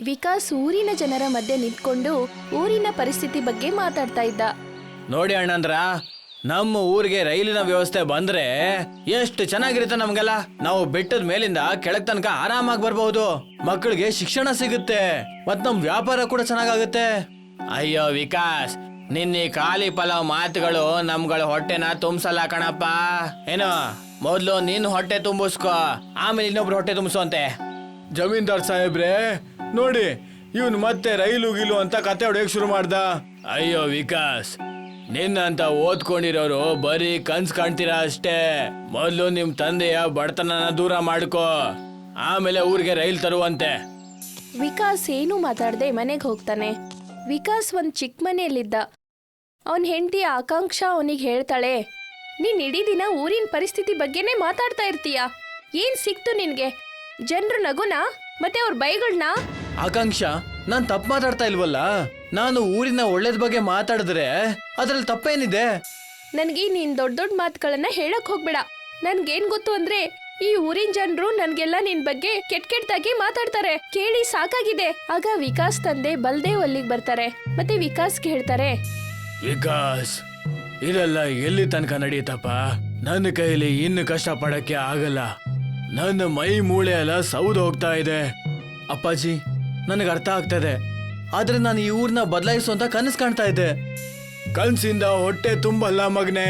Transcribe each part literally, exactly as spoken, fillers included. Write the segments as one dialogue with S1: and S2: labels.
S1: ವಿಕಾಸ್ ಊರಿನ ಜನರ ಮಧ್ಯೆ ನಿಂತ್ಕೊಂಡು ಊರಿನ ಪರಿಸ್ಥಿತಿ ಬಗ್ಗೆ ಮಾತಾಡ್ತಾ ಇದ್ದ.
S2: ನೋಡಿ ಅಣ್ಣಂದ್ರ, ನಮ್ಮ ಊರಿಗೆ ರೈಲಿನ ವ್ಯವಸ್ಥೆ ಬಂದ್ರೆ ಎಷ್ಟು ಚೆನ್ನಾಗಿರುತ್ತೆ ನಮ್ಗೆಲ್ಲ. ನಾವು ಬೆಟ್ಟದ ಮೇಲಿಂದ ಕೆಳಗ್ ತನಕ ಆರಾಮಾಗಿ ಬರ್ಬಹುದು. ಮಕ್ಕಳಿಗೆ ಶಿಕ್ಷಣ ಸಿಗುತ್ತೆ, ಮತ್ ನಮ್ ವ್ಯಾಪಾರ ಕೂಡ ಚೆನ್ನಾಗಾಗುತ್ತೆ. ಅಯ್ಯೋ ವಿಕಾಸ್, ನಿನ್ನೆ ಖಾಲಿ ಪಲಾವ್ ಮಾತುಗಳು ನಮ್ಗಳ ಹೊಟ್ಟೆನ ತುಂಬಿಸಲ್ಲ ಕಣಪ್ಪ. ಏನೋ ಮೊದ್ಲು ನಿನ್ ಹೊಟ್ಟೆ ತುಂಬಿಸ್ಕೋ, ಆಮೇಲೆ ಇನ್ನೊಬ್ರು ಹೊಟ್ಟೆ ತುಂಬಿಸೋಂತೆ. ಜಮೀನ್ದಾರ್ ಸಾಹೇಬ್ರೆ ನೋಡಿ, ಇವನ್ ಮತ್ತೆ ರೈಲು ಗೀಲು ಅಂತ ಕತೆ ಹೊಡೆಯಕ್ ಶುರು ಮಾಡ್ದ. ಅಯ್ಯೋ ವಿಕಾಸ್, ನಿನ್ನಂತ ಓದ್ಕೊಂಡಿರೋರು ಬರೀ ಕನ್ಸ್ ಕಾಣ್ತೀರಾ ಅಷ್ಟೇ. ಮೊದ್ಲು ನಿಮ್ ತಂದೆಯ ಬಡತನನ ದೂರ ಮಾಡ್ಕೋ, ಆಮೇಲೆ ಊರಿಗೆ ರೈಲ್ ತರುವಂತೆ.
S1: ವಿಕಾಸ್ ಏನು ಮಾತಾಡದೆ ಮನೆಗೆ ಹೋಗ್ತಾನೆ. ವಿಕಾಸ್ ಒಂದ್ ಚಿಕ್ಕ ಮನೆಯಲ್ಲಿದ್ದ. ಅವನ್ ಹೆಂಡತಿ ಆಕಾಂಕ್ಷ ಅವನಿಗೆ ಹೇಳ್ತಾಳೆ, ನೀನ್ ಇಡೀ ದಿನ ಊರಿನ ಪರಿಸ್ಥಿತಿ ಬಗ್ಗೆನೇ ಮಾತಾಡ್ತಾ ಇರ್ತೀಯ. ಏನ್ ಸಿಕ್ತು ನಿನ್ಗೆ? ಜನರು ನಗುನ ಮತ್ತೆ ಅವ್ರ ಬೈಗಳನ್ನ?
S2: ಆಕಾಂಕ್ಷ, ನಾನ್ ತಪ್ಪು ಮಾತಾಡ್ತಾ ಇಲ್ವಲ್ಲ. ನಾನು ಊರಿನ ಒಳ್ಳೇದ್ ಬಗ್ಗೆ ಮಾತಾಡಿದ್ರೆ ಅದ್ರಲ್ಲಿ ತಪ್ಪೇನಿದೆ?
S1: ನನ್ಗೆ ನೀನ್ ದೊಡ್ಡ ದೊಡ್ಡ ಮಾತುಗಳನ್ನ ಹೇಳಕ್ ಹೋಗ್ಬೇಡ. ನನ್ಗೇನ್ ಗೊತ್ತು ಅಂದ್ರೆ ಈ ಊರಿನ ಜನರು ನನ್ಗೆಲ್ಲ ನಿನ್ ಬಗ್ಗೆ ಕೆಟ್ಟ ಕೆಟ್ಟದಾಗಿ ಮಾತಾಡ್ತಾರೆ. ಕೇಳಿ ಸಾಕಾಗಿದೆ. ಆಗ ವಿಕಾಸ್ ತಂದೆ ಬಲ್ದೇವ್ ಅಲ್ಲಿಗೆ ಬರ್ತಾರೆ. ಮತ್ತೆ ವಿಕಾಸ್ಗೆ ಹೇಳ್ತಾರೆ,
S2: ವಿಕಾಸ್, ಇದೆಲ್ಲ ಎಲ್ಲಿ ತನಕ ನಡೆಯುತ್ತಪ್ಪ? ನನ್ನ ಕೈಲಿ ಇನ್ನು ಕಷ್ಟ ಪಡಕ್ಕೆ ಆಗಲ್ಲ. ನನ್ನ ಮೈ ಮೂಳೆ ಎಲ್ಲ ಸೌದು ಹೋಗ್ತಾ ಇದೆ. ಅಪ್ಪಾಜಿ, ನನಗೆ ಅರ್ಥ ಆಗ್ತದೆ, ಆದ್ರೆ ನಾನು ಈ ಊರ್ನ ಬದಲಾಯಿಸುವಂತ ಕನಸು ಕಾಣ್ತಾ ಇದ್ದೆ. ಕನ್ಸಿಂದ ಹೊಟ್ಟೆ ತುಂಬಲ್ಲ ಮಗನೆ.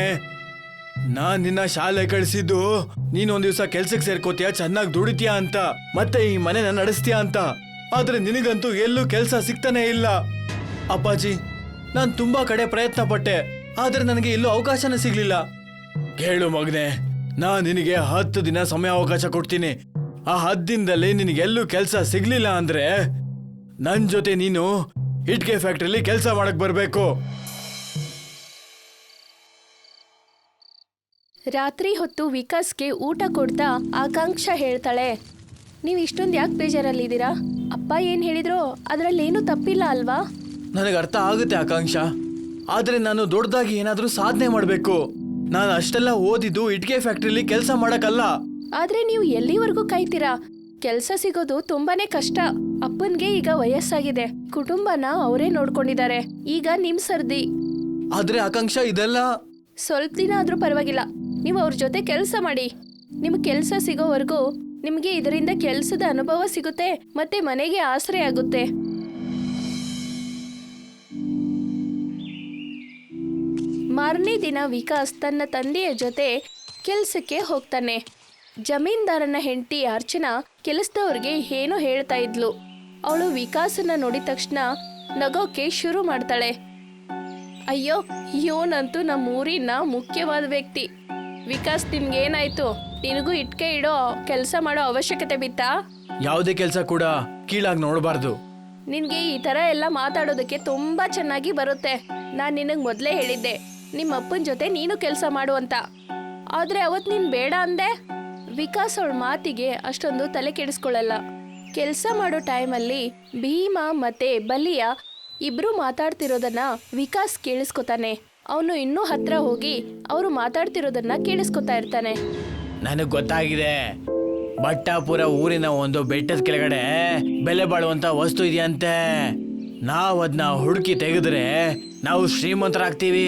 S2: ನಾನ್ ನಿನ್ನ ಶಾಲೆ ಕಳಿಸಿದ್ದು ನೀನ್ ಒಂದ್ ದಿವ್ಸ ಕೆಲ್ಸಕ್ಕೆ ಸೇರ್ಕೋತೀಯ, ಚೆನ್ನಾಗಿ ದುಡಿತೀಯ ಅಂತ, ಮತ್ತೆ ಈ ಮನೆನ ನಡೆಸ್ತೀಯ ಅಂತ. ಆದ್ರೆ ನಿನಗಂತೂ ಎಲ್ಲೂ ಕೆಲ್ಸ ಸಿಗ್ತಾನೆ ಇಲ್ಲ. ಅಪ್ಪಾಜಿ, ನಾನ್ ತುಂಬಾ ಕಡೆ ಪ್ರಯತ್ನ ಪಟ್ಟೆ, ಆದ್ರೆ ನನಗೆ ಎಲ್ಲೂ ಅವಕಾಶನೇ ಸಿಗ್ಲಿಲ್ಲ. ಕೇಳು ಮಗನೆ, ನಾನ್ ನಿನಗೆ ಹತ್ತು ದಿನ ಸಮಯ ಅವಕಾಶ ಕೊಡ್ತೀನಿ. ಆ ಹತ್ತು ದಿನದಲ್ಲಿ ನಿನಗೆಲ್ಲೂ ಕೆಲ್ಸ ಸಿಗ್ಲಿಲ್ಲ ಅಂದ್ರೆ ನನ್ ಜೊತೆ ನೀನು ಇಟ್ಕೆ ಫ್ಯಾಕ್ಟ್ರಿಲಿ ಕೆಲಸ ಮಾಡಕ್ ಬರ್ಬೇಕು.
S1: ರಾತ್ರಿ ಹೊತ್ತು ವಿಕಾಸ್ಗೆ ಊಟ ಕೊಡ್ತಾ ಆಕಾಂಕ್ಷ ಹೇಳ್ತಾಳೆ, ನೀವ್ ಇಷ್ಟೊಂದು ಯಾಕೆ ಬೇಜಾರಲ್ಲಿದ್ದೀರಾ? ಅಪ್ಪ ಏನ್ ಹೇಳಿದ್ರು ಅದ್ರಲ್ಲೇನು ತಪ್ಪಿಲ್ಲ ಅಲ್ವಾ?
S2: ನನಗೆ ಅರ್ಥ ಆಗುತ್ತೆ ಆಕಾಂಕ್ಷ, ಆದ್ರೆ ನಾನು ದೊಡ್ಡದಾಗಿ ಏನಾದ್ರೂ ಸಾಧನೆ ಮಾಡ್ಬೇಕು. ನಾನು ಅಷ್ಟೆಲ್ಲ ಓದಿದ್ದು ಇಟ್ಕೆ ಫ್ಯಾಕ್ಟ್ರಿಲಿ ಕೆಲಸ ಮಾಡಕ್ಕಲ್ಲ.
S1: ಆದ್ರೆ ನೀವು ಎಲ್ಲಿವರೆಗೂ ಕಾಯ್ತೀರಾ? ಕೆಲ್ಸ ಸಿಗೋದು ತುಂಬಾನೇ ಕಷ್ಟ. ಅಪ್ಪನ್ಗೆ ಈಗ ವಯಸ್ಸಾಗಿದೆ, ಕುಟುಂಬನ ಅವರೇ ನೋಡ್ಕೊಂಡಿದ್ದಾರೆ. ಈಗ ನಿಮ್ ಸರ್ದಿ.
S2: ಆದ್ರೆ ಆಕಾಂಕ್ಷ, ಇದೆಲ್ಲ
S1: ಸ್ವಲ್ಪ ದಿನ ಆದ್ರೂ ಪರವಾಗಿಲ್ಲ, ನೀವು ಅವ್ರ ಜೊತೆ ಕೆಲಸ ಮಾಡಿ. ನಿಮ್ ಕೆಲ್ಸ ಸಿಗೋವರೆಗೂ ನಿಮ್ಗೆ ಇದರಿಂದ ಕೆಲ್ಸದ ಅನುಭವ ಸಿಗುತ್ತೆ, ಮತ್ತೆ ಮನೆಗೆ ಆಸರೆ ಆಗುತ್ತೆ. ಮಾರನೇ ದಿನ ವಿಕಾಸ್ ತನ್ನ ತಂದೆಯ ಜೊತೆ ಕೆಲ್ಸಕ್ಕೆ ಹೋಗ್ತಾನೆ. ಜಮೀನ್ದಾರನ ಹೆಂಡತಿ ಅರ್ಚನಾ ಕೆಲಸದವ್ರಿಗೆ ಏನೋ ಹೇಳ್ತಾ ಇದ್ಲು. ಅವಳು ವಿಕಾಸನ ನೋಡಿದ ತಕ್ಷಣ ನಗೋಕೆ ಶುರು ಮಾಡ್ತಾಳೆ. ಅಯ್ಯೋ, ಇವನಂತೂ ನಮ್ಮ ಊರಿನ ಮುಖ್ಯವಾದ ವ್ಯಕ್ತಿ. ವಿಕಾಸ್, ನಿನ್ಗೇನಾಯ್ತು? ನಿನಗೂ ಇಟ್ಕೆ ಇಡೋ ಕೆಲಸ ಮಾಡೋ ಅವಶ್ಯಕತೆ ಬಿತ್ತಾ?
S2: ಯಾವುದೇ ಕೆಲಸ ಕೂಡ ಕೀಳಾಗಿ ನೋಡಬಾರ್ದು.
S1: ನಿನ್ಗೆ ಈ ತರ ಎಲ್ಲ ಮಾತಾಡೋದಕ್ಕೆ ತುಂಬಾ ಚೆನ್ನಾಗಿ ಬರುತ್ತೆ. ನಾನ್ ನಿನಗ್ ಮೊದ್ಲೇ ಹೇಳಿದ್ದೆ ನಿಮ್ಮ ಅಪ್ಪನ ಜೊತೆ ನೀನು ಕೆಲಸ ಮಾಡು ಅಂತ, ಆದ್ರೆ ಅವತ್ ನೀನ್ ಬೇಡ ಅಂದೆ. ವಿಕಾಸ್ ಅವಳ ಮಾತಿಗೆ ಅಷ್ಟೊಂದು ತಲೆ ಕೆಡಿಸ್ಕೊಳ್ಳಲ್ಲ. ಕೆಲಸ ಮಾಡೋ ಟೈಮಲ್ಲಿ ಭೀಮಾ ಮತ್ತೆ ಬಲಿಯ ಇಬ್ರು ಮಾತಾಡ್ತಿರೋದನ್ನ ವಿಕಾಸ್ ಕೇಳಿಸ್ಕೊತಾನೆ. ಅವನು ಇನ್ನೂ ಹತ್ರ ಹೋಗಿ ಅವರು ಮಾತಾಡ್ತಿರೋದನ್ನ ಕೇಳಿಸ್ಕೊತಾ ಇರ್ತಾನೆ.
S2: ನನಗ್ ಗೊತ್ತಾಗಿದೆ, ಬಟ್ಟಾಪುರ ಊರಿನ ಒಂದು ಬೆಟ್ಟದ ಕೆಳಗಡೆ ಬೆಲೆ ಬಾಳುವಂತ ವಸ್ತು ಇದೆಯಂತೆ. ನಾವ್ ಅದನ್ನ ಹುಡುಕಿ ತೆಗೆದ್ರೆ ನಾವು ಶ್ರೀಮಂತರಾಗ್ತೀವಿ.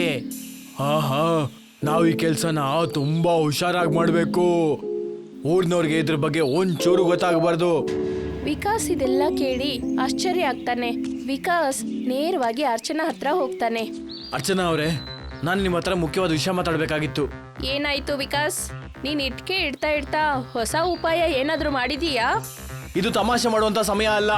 S2: ಹಾ ಹಾ ನಾವು ಈ ಕೆಲ್ಸನ ತುಂಬಾ ಹುಷಾರಾಗಿ ಮಾಡ್ಬೇಕು. ಊರ್ನವ್ರಿಗೆ ಇದ್ರ ಬಗ್ಗೆ ಒಂಚೂರು ಗೊತ್ತಾಗಬಾರ್ದು.
S1: ವಿಕಾಸ್ ಇದೆಲ್ಲ ಕೇಳಿ ಆಶ್ಚರ್ಯ ಆಗ್ತಾನೆ. ವಿಕಾಸ್ ನೇರವಾಗಿ ಅರ್ಚನಾ ಹತ್ರ ಹೋಗ್ತಾನೆ.
S2: ಅರ್ಚನಾ ಅವರೇ, ನಾನು ನಿಮ್ಮ ಹತ್ರ ಮುಖ್ಯವಾದ ವಿಷಯ ಮಾತಾಡ್ಬೇಕಾಗಿತ್ತು.
S1: ಏನಾಯ್ತು ವಿಕಾಸ್? ನೀನ್ ಇಟ್ಕೆ ಇಡ್ತಾ ಇಡ್ತಾ ಹೊಸ ಉಪಾಯ ಏನಾದ್ರೂ ಮಾಡಿದೀಯಾ?
S2: ಇದು ತಮಾಷೆ ಮಾಡುವಂತ ಸಮಯ ಅಲ್ಲ.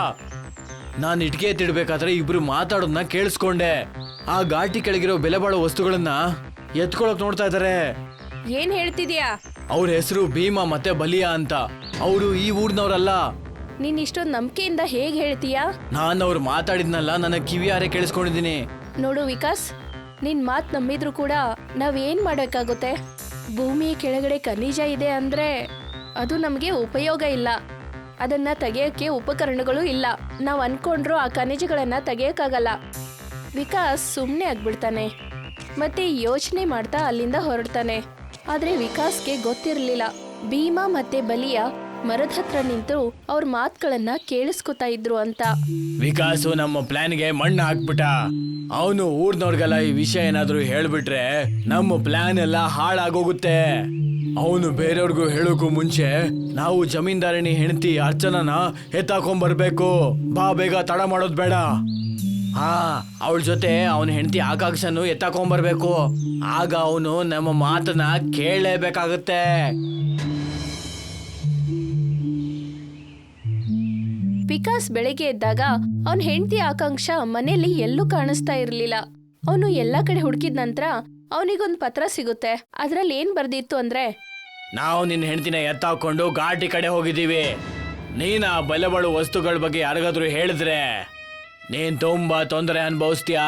S2: ನಾನು ಇಟ್ಕೆ ಎತ್ತಿಡ್ಬೇಕಾದ್ರೆ ಇಬ್ರು ಮಾತಾಡೋದನ್ನ ಕೇಳಿಸ್ಕೊಂಡೆ. ಆ ಘಾಟಿ ಕೆಳಗಿರೋ ಬೆಲೆ ಬಾಳೋ ವಸ್ತುಗಳನ್ನ ಎತ್ಕೊಳಕ್ ನೋಡ್ತಾ ಇದಾರೆ.
S1: ಏನ್ ಹೇಳ್ತಿದ್ಯಾ?
S2: ಅವ್ರ ಹೆಸರು ಭೀಮಾ ಮತ್ತೆ ಬಲಿಯಾ ಅಂತ. ಅವರು ಈ ಊರ್ನವ್ರಲ್ಲ.
S1: ನೀನ್ ಇಷ್ಟೊಂದು ನಂಬಿಕೆಯಿಂದ ಹೇಗ್ ಹೇಳ್ತೀಯಾ?
S2: ನಾನು ಅವ್ರು ಮಾತಾಡಿದ್ನಲ್ಲ, ನನ್ನ ಕಿವಿಯಾರೆ ಕೇಳಿಸ್ಕೊಂಡಿದ್ದೀನಿ.
S1: ನೋಡು ವಿಕಾಸ್, ನಿನ್ ಮಾತ್ ನಂಬಿದ್ರು ಕೂಡ ನಾವ್ ಏನ್ ಮಾಡಬೇಕಾಗುತ್ತೆ? ಭೂಮಿಯ ಕೆಳಗಡೆ ಖನಿಜ ಇದೆ ಅಂದ್ರೆ ಅದು ನಮ್ಗೆ ಉಪಯೋಗ ಇಲ್ಲ. ಅದನ್ನ ತೆಗೆಯಕ್ಕೆ ಉಪಕರಣಗಳು ಇಲ್ಲ. ನಾವ್ ಅನ್ಕೊಂಡ್ರು ಆ ಖನಿಜಗಳನ್ನ ತೆಗೆಯಕ್ಕಾಗಲ್ಲ. ವಿಕಾಸ್ ಸುಮ್ನೆ ಆಗ್ಬಿಡ್ತಾನೆ. ಮತ್ತೆ ಯೋಚನೆ ಮಾಡ್ತಾ ಅಲ್ಲಿಂದ ಹೊರಡ್ತಾನೆ. ಆದ್ರೆ ವಿಕಾಸ್ಗೆ ಗೊತ್ತಿರ್ಲಿಲ್ಲ, ಭೀಮಾ ಮತ್ತೆ ಬಲಿಯ ಮರದ ಹತ್ರ ನಿಂತು ಅವ್ರ ಮಾತುಗಳನ್ನ ಕೇಳಿಸ್ಕೊತಾ ಇದ್ರು ಅಂತ.
S2: ವಿಕಾಸು ನಮ್ಮ ಪ್ಲಾನ್ಗೆ ಮಣ್ಣು ಹಾಕ್ಬಿಟ್ಟ. ಅವನು ಊರ್ನವ್ರಿಗೆಲ್ಲ ಈ ವಿಷಯ ಏನಾದ್ರು ಹೇಳ್ಬಿಟ್ರೆ ನಮ್ಮ ಪ್ಲಾನ್ ಎಲ್ಲ ಹಾಳಾಗೋಗುತ್ತೆ. ಅವನು ಬೇರೆಯವ್ರಿಗೂ ಹೇಳೋಕು ಮುಂಚೆ ನಾವು ಜಮೀನ್ದಾರಣಿ ಹೆಂಡತಿ ಅರ್ಚನನ ಎತ್ತಾಕೊಂಡ್ಬರ್ಬೇಕು. ಬಾ, ಬೇಗ ತಡ ಮಾಡೋದ್ ಬೇಡ. ಹಾ, ಅವಳ ಜೊತೆ ಅವನ ಹೆಂಡತಿ ಆಕಾಂಕ್ಷನು ಎತ್ತಾಕೊಂಡ್ಬರ್ಬೇಕು. ಆಗ ಅವನು ನಮ್ಮ ಮಾತನ್ನ ಕೇಳಲೇಬೇಕಾಗುತ್ತೆ.
S1: ವಿಕಾಸ್ ಬೆಳಗ್ಗೆ ಎದ್ದಾಗ ಅವನ ಹೆಂಡತಿ ಆಕಾಂಕ್ಷ ಮನೆಯಲ್ಲಿ ಎಲ್ಲೂ ಕಾಣಿಸ್ತಾ ಇರ್ಲಿಲ್ಲ. ಅವನು ಎಲ್ಲಾ ಕಡೆ ಹುಡುಕಿದ ನಂತರ ಅವನಿಗೊಂದು ಪತ್ರ ಸಿಗುತ್ತೆ. ಅದ್ರಲ್ಲಿ ಏನ್ ಬರ್ದಿತ್ತು ಅಂದ್ರೆ,
S2: ನಾವು ನಿನ್ನ ಹೆಂಡತಿನ ಎತ್ತಾಕೊಂಡು ಘಾಟಿ ಕಡೆ ಹೋಗಿದ್ದೀವಿ. ನೀನ್ ಆ ಬಲಬಳು ವಸ್ತುಗಳ ಬಗ್ಗೆ ಯಾರಿಗಾದ್ರೂ ಹೇಳಿದ್ರೆ ನೀನ್ ತುಂಬಾ ತೊಂದರೆ ಅನುಭವಿಸ್ತೀಯಾ.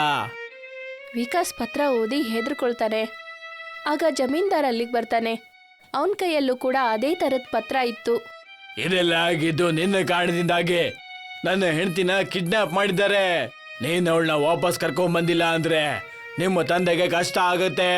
S1: ವಿಕಾಸ್ ಪತ್ರ ಓದಿ ಹೆದರ್ಕೊಳ್ತಾನೆ. ಆಗ ಜಮೀನ್ದಾರ್ ಅಲ್ಲಿಗೆ ಬರ್ತಾನೆ. ಅವನ ಕೈಯಲ್ಲೂ ಕೂಡ ಅದೇ ತರದ ಪತ್ರ ಇತ್ತು.
S2: ಇದೆಲ್ಲ ಆಗಿದ್ದು ನಿನ್ನ ಕಾರಣದಿಂದಾಗಿ. ನನ್ನ ಹೆಂಡತಿನ ಕಿಡ್ನಾಪ್ ಮಾಡಿದ್ದಾರೆ. ನೀನ್ ಅವಳನ್ನ ವಾಪಸ್ ಕರ್ಕೊಂಡ್ ಬಂದಿಲ್ಲ ಅಂದ್ರೆ ನಿಮ್ಮ ತಂದೆಗೆ ಕಷ್ಟ ಆಗುತ್ತೆ.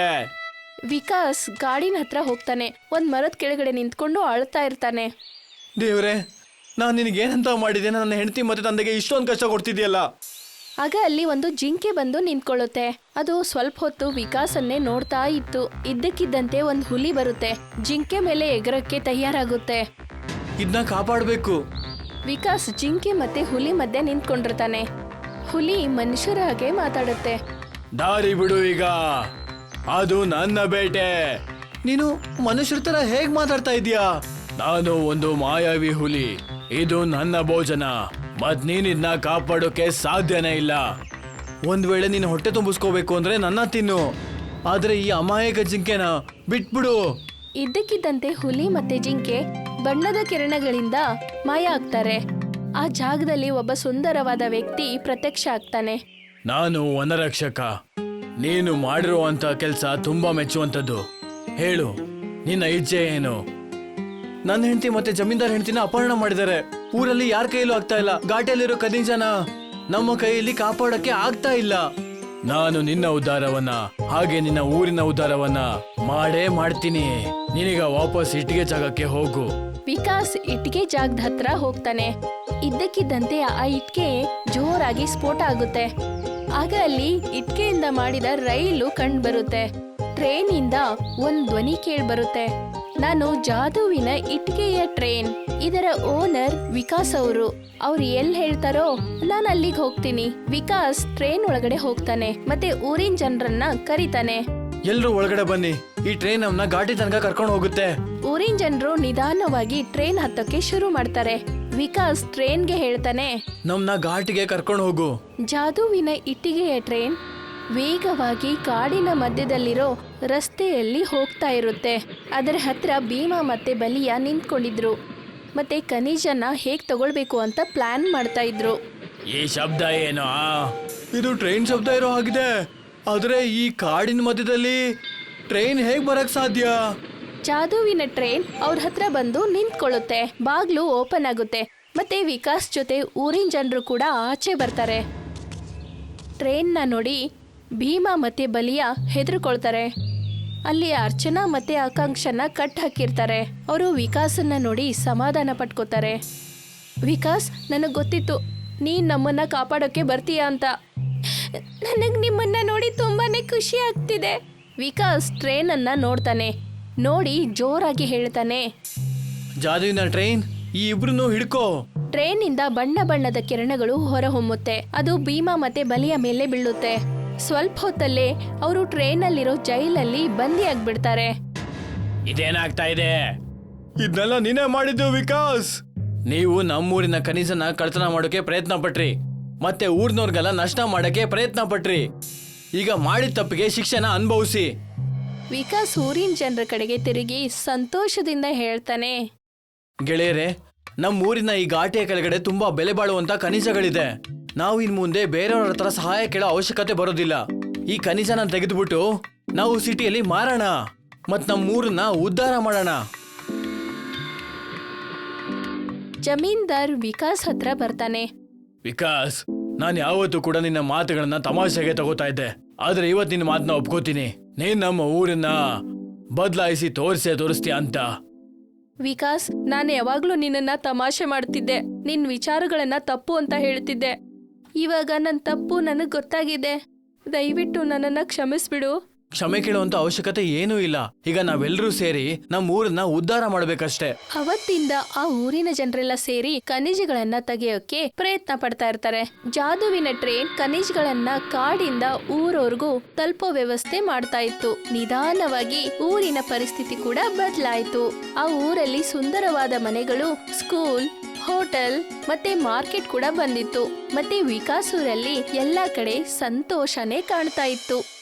S1: ವಿಕಾಸ್ ಗಾಡಿನ ಹತ್ರ ಹೋಗ್ತಾನೆ. ಒಂದ್ ಮರದ ಕೆಳಗಡೆ ನಿಂತ್ಕೊಂಡು ಅಳ್ತಾ ಇರ್ತಾನೆ.
S2: ದೇವ್ರೆ, ನಾನು ನಿನಗೇನಂತ ಮಾಡಿದೆ? ನನ್ನ ಹೆಂಡತಿ ಮತ್ತೆ ತಂದೆಗೆ ಇಷ್ಟೊಂದು ಕಷ್ಟ ಕೊಡ್ತಿದ್ಯಲ್ಲ.
S1: ಆಗ ಅಲ್ಲಿ ಒಂದು ಜಿಂಕೆ ಬಂದು ನಿಂತ್ಕೊಳ್ಳುತ್ತೆ. ಅದು ಸ್ವಲ್ಪ ಹೊತ್ತು ವಿಕಾಸನ್ನೇ ನೋಡ್ತಾ ಇತ್ತು. ಇದ್ದಕ್ಕಿದ್ದಂತೆ ಒಂದು ಹುಲಿ ಬರುತ್ತೆ. ಜಿಂಕೆ ಮೇಲೆ ಎಗರಕ್ಕೆ ತಯಾರಾಗುತ್ತೆ.
S2: ಇದನ್ನ ಕಾಪಾಡಬೇಕು.
S1: ವಿಕಾಸ್ ಜಿಂಕೆ ಮತ್ತೆ ಹುಲಿ ಮಧ್ಯೆ ನಿಂತ್ಕೊಂಡಿರ್ತಾನೆ. ಹುಲಿ ಮನುಷ್ಯರ ಹಾಗೆ ಮಾತಾಡುತ್ತೆ.
S2: ದಾರಿ ಬಿಡು ಈಗ, ಅದು ನನ್ನ ಬೇಟೆ. ನೀನು ಮನುಷ್ಯರ ತರ ಹೇಗ್ ಮಾತಾಡ್ತಾ ಇದೀಯಾ? ನಾನು ಒಂದು ಮಾಯಾವಿ ಹುಲಿ. ಇದು ನನ್ನ ಭೋಜನ. ಮತ್ ನೀನ್ ಇದನ್ನ ಕಾಪಾಡೋಕೆ ಸಾಧ್ಯನೇ ಇಲ್ಲ. ಒಂದ್ ವೇಳೆ ನೀನು ಹೊಟ್ಟೆ ತುಂಬಿಸ್ಕೋಬೇಕು ಅಂದ್ರೆ ನನ್ನ ತಿನ್ನು, ಆದ್ರೆ ಈ ಅಮಾಯಕ ಜಿಂಕೆನ ಬಿಟ್ಬಿಡು.
S1: ಇದ್ದಕ್ಕಿದ್ದಂತೆ ಹುಲಿ ಮತ್ತೆ ಜಿಂಕೆ ಬಣ್ಣದ ಕಿರಣಗಳಿಂದ ಮಾಯ ಆಗ್ತಾರೆ. ಆ ಜಾಗದಲ್ಲಿ ಒಬ್ಬ ಸುಂದರವಾದ ವ್ಯಕ್ತಿ ಪ್ರತ್ಯಕ್ಷ ಆಗ್ತಾನೆ.
S2: ನಾನು ವನರಕ್ಷಕ. ನೀನು ಮಾಡಿರುವಂತ ಕೆಲಸ ತುಂಬಾ ಮೆಚ್ಚುವಂಥದ್ದು. ಹೇಳು, ನಿನ್ನ ಇಚ್ಛೆ ಏನು? ನನ್ನ ಹೆಂಡತಿ ಮತ್ತೆ ಜಮೀನ್ದಾರ್ ಹೆಂಡತಿನ ಅಪಹರಣ ಮಾಡಿದ್ದಾರೆ. ಊರಲ್ಲಿ ಯಾರ ಕೈಯಲ್ಲೂ ಆಗ್ತಾ ಇಲ್ಲ. ಘಾಟಿಯಲ್ಲಿರೋ ಖದೀಜನ ನಮ್ಮ ಕೈಯಲ್ಲಿ ಕಾಪಾಡಕ್ಕೆ ಆಗ್ತಾ ಇಲ್ಲ. ನಾನು ನಿನ್ನ ಉದ್ಧಾರವನ್ನ ಹಾಗೆ ನಿನ್ನ ಊರಿನ ಉದ್ಧಾರವನ್ನ ಮಾಡೇ ಮಾಡ್ತೀನಿ. ನಿನಗ ವಾಪಸ್ ಇಟ್ಟಿಗೆ ಜಾಗಕ್ಕೆ ಹೋಗು.
S1: ವಿಕಾಸ್ ಇಟ್ಕೆ ಜಾಗದ ಹತ್ರ ಹೋಗ್ತಾನೆ. ಇದ್ದಕ್ಕಿದ್ದಂತೆ ಆ ಇಟ್ಕೆ ಜೋರಾಗಿ ಸ್ಫೋಟ ಆಗುತ್ತೆ. ಆಗ ಅಲ್ಲಿ ಇಟ್ಕೆಯಿಂದ ಮಾಡಿದ ರೈಲು ಕಂಡು ಬರುತ್ತೆ. ಟ್ರೈನ್ ಇಂದ ಒಂದ್ ಧ್ವನಿ ಕೇಳಿ ಬರುತ್ತೆ. ನಾನು ಜಾದುವಿನ ಇಟ್ಕೆಯ ಟ್ರೈನ್. ಇದರ ಓನರ್ ವಿಕಾಸ್ ಅವರು. ಅವ್ರು ಎಲ್ ಹೇಳ್ತಾರೋ ನಾನು ಅಲ್ಲಿಗೆ ಹೋಗ್ತೀನಿ. ವಿಕಾಸ್ ಟ್ರೈನ್ ಒಳಗಡೆ ಹೋಗ್ತಾನೆ ಮತ್ತೆ ಊರಿನ ಜನರನ್ನ ಕರೀತಾನೆ.
S2: ಎಲ್ರು ಒಳಗಡೆ ಬನ್ನಿ, ಈ ಟ್ರೈನ್ ನಮ್ನ ಘಾಟಿ ತನಕ ಕರ್ಕೊಂಡು ಹೋಗುತ್ತೆ.
S1: ಊರಿನ ಜನರು ನಿಧಾನವಾಗಿ ಟ್ರೈನ್ ಹತ್ತಕ್ಕೆ ಶುರು ಮಾಡ್ತಾರೆ. ವಿಕಾಸ್ ಟ್ರೈನ್ಗೆ ಹೇಳ್ತಾನೆ,
S2: ನಮ್ನ ಘಾಟಿಗೆ ಕರ್ಕೊಂಡು ಹೋಗು.
S1: ಜಾದುವಿನ ಇಟ್ಟಿಗೆಯ ಟ್ರೈನ್ ವೇಗವಾಗಿ ಕಾಡಿನ ಮಧ್ಯದಲ್ಲಿರೋ ರಸ್ತೆಯಲ್ಲಿ ಹೋಗ್ತಾ ಇರುತ್ತೆ. ಅದರ ಹತ್ರ ಭೀಮಾ ಮತ್ತೆ ಬಲಿಯ ನಿಂತ್ಕೊಂಡಿದ್ರು ಮತ್ತೆ ಖನಿಜನ ಹೇಗ್ ತಗೊಳ್ಬೇಕು ಅಂತ ಪ್ಲಾನ್ ಮಾಡ್ತಾ ಇದ್ರು.
S2: ಈ ಶಬ್ದ ಏನೋ? ಇದು ಟ್ರೈನ್ ಶಬ್ದ ಇರೋ ಹಾಗಿದೆ. ಆದ್ರೆ ಈ ಕಾಡಿನ ಮಧ್ಯದಲ್ಲಿ ಟ್ರೈನ್ ಹೇಗ್ ಬರಕ್ ಸಾಧ್ಯ?
S1: ಜಾದುವಿನ ಟ್ರೈನ್ ಅವ್ರ ಹತ್ರ ಬಂದು ನಿಂತ್ಕೊಳ್ಳುತ್ತೆ. ಬಾಗ್ಲು ಓಪನ್ ಆಗುತ್ತೆ ಮತ್ತೆ ವಿಕಾಸ್ ಜೊತೆ ಊರಿನ ಜನರು ಕೂಡ ಆಚೆ ಬರ್ತಾರೆ. ಟ್ರೈನ್ನ ನೋಡಿ ಭೀಮಾ ಮತ್ತೆ ಬಲಿಯ ಹೆದರ್ಕೊಳ್ತಾರೆ. ಅಲ್ಲಿ ಅರ್ಚನಾ ಮತ್ತೆ ಆಕಾಂಕ್ಷನ ಕಟ್ ಹಾಕಿರ್ತಾರೆ. ಅವರು ವಿಕಾಸನ್ನ ನೋಡಿ ಸಮಾಧಾನ ಪಟ್ಕೋತಾರೆ. ವಿಕಾಸ್, ನನಗ್ ಗೊತ್ತಿತ್ತು ನೀನ್ ನಮ್ಮನ್ನ ಕಾಪಾಡೋಕೆ ಬರ್ತೀಯ ಅಂತ. ನನಗ್ ನಿಮ್ಮನ್ನ ನೋಡಿ ತುಂಬಾನೇ ಖುಷಿ ಆಗ್ತಿದೆ. ವಿಕಾಸ್ ಟ್ರೈನ್ ಅನ್ನ ನೋಡ್ತಾನೆ. ನೋಡಿ ಜೋರಾಗಿ ಹೇಳ್ತಾನೆ,
S2: ಜಾದುವಿನ ಟ್ರೈನ್, ಈ ಇಬ್ರು ಹಿಡ್ಕೋ.
S1: ಟ್ರೈನ್ ಇಂದ ಬಣ್ಣ ಬಣ್ಣದ ಕಿರಣಗಳು ಹೊರಹೊಮ್ಮುತ್ತೆ. ಅದು ಭೀಮಾ ಮತ್ತೆ ಬಲಿಯ ಮೇಲೆ ಬೀಳುತ್ತೆ. ಸ್ವಲ್ಪ ಹೊತ್ತಲ್ಲೇ ಅವರು ಟ್ರೈನ್ ಅಲ್ಲಿರೋ ಜೈಲಲ್ಲಿ ಬಂದಿ ಆಗ್ಬಿಡ್ತಾರೆ.
S2: ಇದೇನಾಗ್ತಾ ಇದೆ? ಇದನ್ನೆಲ್ಲ ನೀನೇ ಮಾಡಿದ್ದು ವಿಕಾಸ್. ನೀವು ನಮ್ಮೂರಿನ ಖನಿಜನ ಕಳ್ತನ ಮಾಡೋಕೆ ಪ್ರಯತ್ನ ಪಟ್ರಿ ಮತ್ತೆ ಊರ್ನವ್ರಿಗೆಲ್ಲ ನಷ್ಟ ಮಾಡಕ್ಕೆ ಪ್ರಯತ್ನ ಪಟ್ರಿ. ಈಗ ಮಾಡಿದ ತಪ್ಪಿಗೆ ಶಿಕ್ಷೆನ ಅನುಭವಿಸಿ.
S1: ವಿಕಾಸ್ ಊರಿನ ಜನರ ಕಡೆಗೆ ತಿರುಗಿ ಸಂತೋಷದಿಂದ ಹೇಳ್ತಾನೆ,
S2: ಗೆಳೆಯರೆ, ನಮ್ಮ ಊರಿನ ಈ ಘಾಟಿಯ ಕೆಳಗಡೆ ತುಂಬಾ ಬೆಲೆ ಬಾಳುವಂತ ಖನಿಜಗಳಿದೆ. ನಾವು ಇನ್ ಮುಂದೆ ಬೇರೆಯವ್ರ ಹತ್ರ ಸಹಾಯ ಕೇಳೋ ಅವಶ್ಯಕತೆ ಬರೋದಿಲ್ಲ. ಈ ಖನಿಜನ ತೆಗೆದುಬಿಟ್ಟು ನಾವು ಸಿಟಿಯಲ್ಲಿ ಮಾರೋಣ ಮತ್ ನಮ್ಮ ಊರನ್ನ ಉದ್ಧಾರ ಮಾಡೋಣ.
S1: ಜಮೀನ್ದಾರ್ ವಿಕಾಸ್ ಹತ್ರ ಬರ್ತಾನೆ.
S2: ವಿಕಾಸ್, ನಾನು ಯಾವತ್ತೂ ಕೂಡ ನಿನ್ನ ಮಾತುಗಳನ್ನ ತಮಾಷೆಗೆ ತಗೋತಾ ಇದ್ದೆ. ಆದ್ರೆ ಇವತ್ತು ನಿನ್ನ ಮಾತನ್ನ ಒಪ್ಕೋತೀನಿ. ನೀನ್ ನಮ್ಮ ಊರನ್ನ ಬದಲಾಯಿಸಿ ತೋರಿಸೇ ತೋರಿಸ್ತೀಯ ಅಂತ.
S1: ವಿಕಾಸ್, ನಾನು ಯಾವಾಗ್ಲೂ ನಿನ್ನನ್ನ ತಮಾಷೆ ಮಾಡ್ತಿದ್ದೆ, ನಿನ್ ವಿಚಾರಗಳನ್ನ ತಪ್ಪು ಅಂತ ಹೇಳ್ತಿದ್ದೆ. ಇವಾಗ ನನ್ನ ತಪ್ಪು ನನಗ್ ಗೊತ್ತಾಗಿದೆ. ದಯವಿಟ್ಟು ನನ್ನನ್ನ ಕ್ಷಮಿಸ್ಬಿಡು.
S2: ಕ್ಷಮೆ ಕೇಳುವಂತ ಅವಶ್ಯಕತೆ ಏನೂ ಇಲ್ಲ. ಈಗ ನಾವೆಲ್ಲರೂ ಸೇರಿ ನಮ್ಮ ಊರನ್ನ ಉದ್ಧಾರ ಮಾಡ್ಬೇಕಷ್ಟೇ.
S1: ಅವತ್ತಿಂದ ಆ ಊರಿನ ಜನರೆಲ್ಲ ಸೇರಿ ಖನಿಜಗಳನ್ನ ತೆಗೆಯೋಕೆ ಪ್ರಯತ್ನ ಪಡ್ತಾ ಇರ್ತಾರೆ. ಜಾದುವಿನ ಟ್ರೈನ್ ಖನಿಜಗಳನ್ನ ಕಾಡಿಂದ ಊರವರೆಗೂ ತಲುಪೋ ವ್ಯವಸ್ಥೆ ಮಾಡ್ತಾ ಇತ್ತು. ನಿಧಾನವಾಗಿ ಊರಿನ ಪರಿಸ್ಥಿತಿ ಕೂಡ ಬದಲಾಯಿತು. ಆ ಊರಲ್ಲಿ ಸುಂದರವಾದ ಮನೆಗಳು, ಸ್ಕೂಲ್, ಹೋಟೆಲ್ ಮತ್ತೆ ಮಾರ್ಕೆಟ್ ಕೂಡ ಬಂದಿತ್ತು. ಮತ್ತೆ ವಿಕಾಸ್ ಊರಲ್ಲಿ ಎಲ್ಲಾ ಕಡೆ ಸಂತೋಷನೇ ಕಾಣ್ತಾ ಇತ್ತು.